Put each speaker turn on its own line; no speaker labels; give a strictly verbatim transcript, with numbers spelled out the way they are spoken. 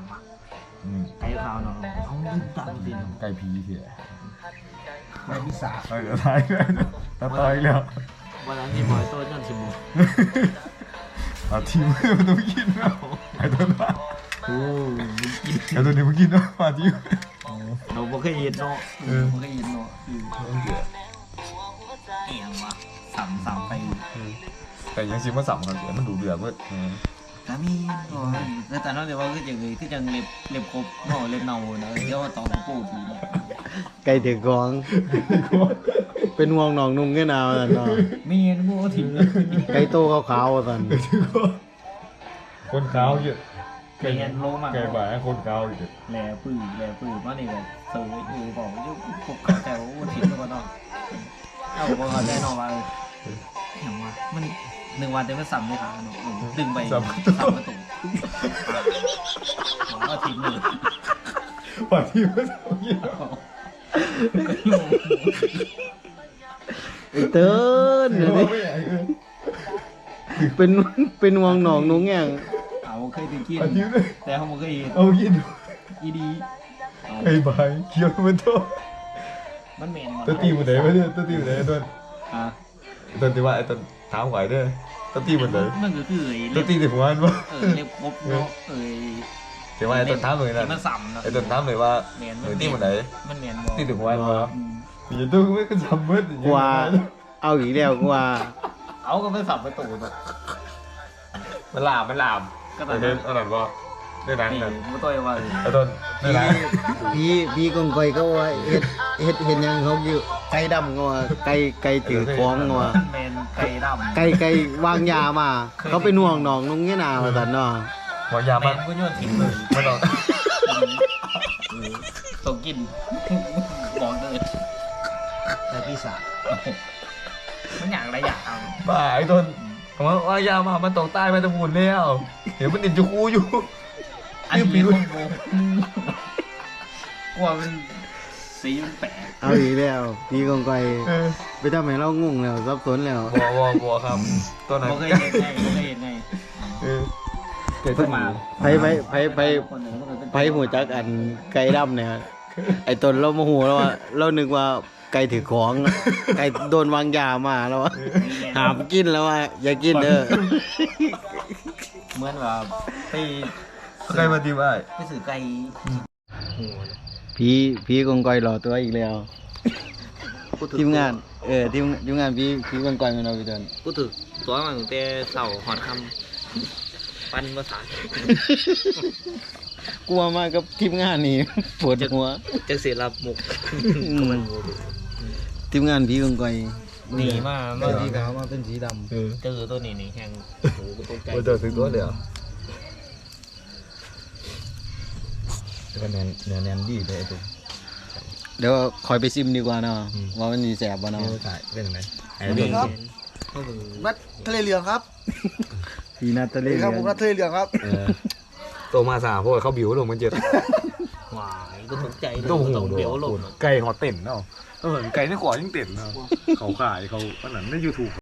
ไก่ขาวเนาะเอาลืมตาจริง
ไก่ผีเถี่ย
ไก่พิศาจ
เออท้ายเลยตาต่อยแล้ว
วันนั้นที่บอยโต้ยันชิม
อาทีมมันต้องกินนะไอ้ตัวนั้น
โอ้กิน
ไอ้ตัวนี้มันกินนะมาทีม
เราบ่เคยเห็นเนาะ
เออ
บ่เคยเห็นเนาะคือ
ต้องเดือด
เอียงวะสัมสัมไป
แต่ยังชิมมาสับกันเดี๋ยวมันดูเดือดเว้ย
ก็มีโอ้ยแล้วแต่เราเดี๋ยวว่าคือจังเลยคือจังเล็บเล็บครบเนาะเล็บเนาเนาะเดี๋ยวว่าตองปูดอยู่
ไก่ถือกองเป็นห่วงหนองนุ่งแค่นาวนั่นเนาะ
มีเงินบ่ถิ่มเลย
ไก่โตขาวๆสั่น
คนขาวเยอะ
มีเงินโลมาก
ไก่บ่ายคนขาวเยอะ
แหล่ปื้อแหล่ปื้อมานี่ก็เสยเออบอกอยู่พวกเขาแต่ว่าถิ่มแล้วก็เนาะเอาบ่เข้าใจเนาะว่าเออหยังวะมันหนึ่งวันเต็มไปสัมในขาเนาะดึงไปสัมประตูก็ถิ่มเลย
ว่าทีมมันต้องกิน
ไอ้เติ้นเดี๋ยวนี้
ไม่ใหญ่เออ
เป็นเป็นห่วงหนองนุ่งแง่ง
เอาเคยไปกิน
อาทิตย์เลย
แต่เขาบ่เคยเห็น
เอากิน
อีดีเอา
ไอ้บ่ายเคี้ยวมันโต
มันเหม็นหมด
ตัวตีมันไหนวะเนี่ยตัวตีมันไหนต้น
อ่ะ
ต้นที่ว่าไอ้ต้นถามไหวเด้อตัวตีมันไหน
มันก็คือไอ้
ตั
เล็
ว
บ
ตีที่ผมอ่านว่า
เออเล็บครบเนาะเออ
แต่ว่าไอ้ต้นถามเลยนะ
ที่มันสัมเนาะ
ไอ้ต้นถามเลยว่า
เหม็น
เออตีมันไหน
มันเหม็นบ่
ตีถึงผมอ่านว่า
อืม
อย่าต้องไม่ก็จำเบิด
กว่าเอาอีกแล้วกว่า
เอาก็ไม่สับประตูเนาะ
มันลามมันลาม
ก็
ไอ้
แต่
เด่นอันนั้นว่าได้หนัง
นี่
กัน
มันตัวว่า
ไอ้ต้นได้หนัง
พี่พี่กงกอยก็ว่าเฮ็ดเฮ็ดเห็นยังเขาอยู่ไก่ดำก็ว่าไก่ไก่ถือของก็ว่า
แมนไก่ดำ
ไก่ไก่วางยามา เขาเป็นห่วงหนองนุ่งแง่นาวสั่นเนาะ
หมอยา
แม
มัน
นก็โยนทิ้งเลย
ไม่ต้อง
ต้องกินบอกเลย
ไก่พิศาจ
มันอย่างไรอย่างเอา
บ้าไอ้ต้นผมว่าว่ายามามันตกใต้ไปตะบูนแล้วเห็นมันติดจูคูอยู่
อันนี้มันโบกลัวมันสีมันแปลก
เอาอีกแล้วพี่กงกอย
เออ
ไปทำให้เรางงแล้วสับสนแล้ว
บัวบัวบัวครับตัวไหน
บ่เคยเห็นไงบ่เคยเห็นไง
เออเกิดขึ้นมา
ไผไผไผไผไผหูจักอันไก่ดำเนี่ยไอ้ตนเราโมโหแล้วว่าเรานึกว่าไก่ถือของไก่โดนวางยามาแล้วว่าหามกินแล้วว่าอย่ากินเด้อ
เหมือนว่าไป
ใครมาดีว่า
ไปสื่อไก่โห
พี่พี่กงกอยหล่อตัวอีกแล้วทีมงานเออทีมทีมงานพี่พี่กงกอยมันเอาไปเดิน
พูดถึงตัวมันตั้งแต่เสาหอดคำปันภาษาก
ลัวมากกับทีมงานนี่ ปวดหัว
จะเสียรับมุก
อืมทีมงานพี่กงกอย
หนีมา
เป็
เมื่อน
สีขาวมาเป็นสีดำ
เออ
เจอตัวนี้นี่แข่งโอ้โหตัวไก่
ว่าเจอถึงตัวเดียวก็แนนแนนแนนดีเลยไอ้ตุ๊ก
เดี๋ยวคอยไปซิมดีกว่าเนาะว่ามันมีแสบบ่เนาะ
ถ่ายเป็นยังไงไอ้
นี่
นี่
ครับ
นัดทะเลเหลืองครับ
พี่นาตาลี
ครับผมนัดทะเลเหลืองครับ
เออโตมาสาพวกเขาบิวลงมันเจ็ด
หวายก็ตกใจ
ตัวหู
ต้อง
ด้ว
เบี้ย
ยว
ลง
ไก่หอเต้นเนาะเออไก่ในขวายิ่งเต้นเนาะเขาขายเขาอันนั้นในยูทูบ